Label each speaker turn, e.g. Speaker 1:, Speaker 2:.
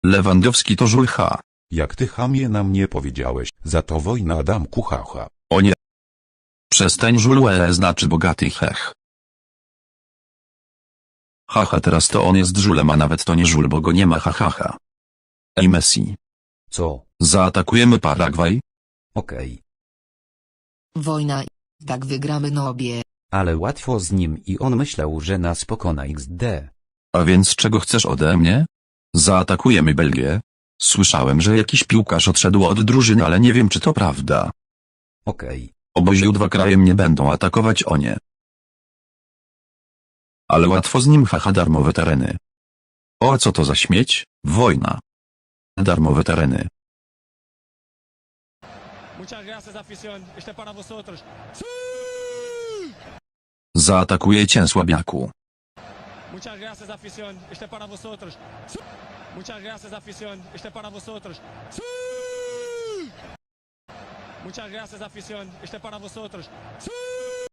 Speaker 1: Lewandowski to żulcha.
Speaker 2: Jak ty chamie na mnie powiedziałeś, za to wojna Adamku haha.
Speaker 1: O nie. Przestań żulłe znaczy bogaty hech. Haha, teraz to on jest żulem, a nawet to nie żul, bo go nie ma hahaha. Ej Messi.
Speaker 2: Co?
Speaker 1: Zaatakujemy Paragwaj?
Speaker 2: Okej.
Speaker 3: Wojna. Tak wygramy no obie.
Speaker 2: Ale łatwo z nim i on myślał, że nas pokona XD.
Speaker 1: A więc czego chcesz ode mnie? Zaatakujemy Belgię? Słyszałem, że jakiś piłkarz odszedł od drużyny, ale nie wiem, czy to prawda.
Speaker 2: Okej.
Speaker 1: Oboziu dwa kraje mnie będą atakować, o nie. Ale łatwo z nim, haha, darmowe tereny. O, co to za śmieć? Wojna. Darmowe tereny.
Speaker 4: Muchas gracias, afición. Este para vosotros.
Speaker 1: Zaatakuję cię, słabiaku.
Speaker 4: Muchas gracias, afición. Este para vosotros. Muchas gracias, afición. Este para vosotros. Muchas gracias, afición. Este para vosotros.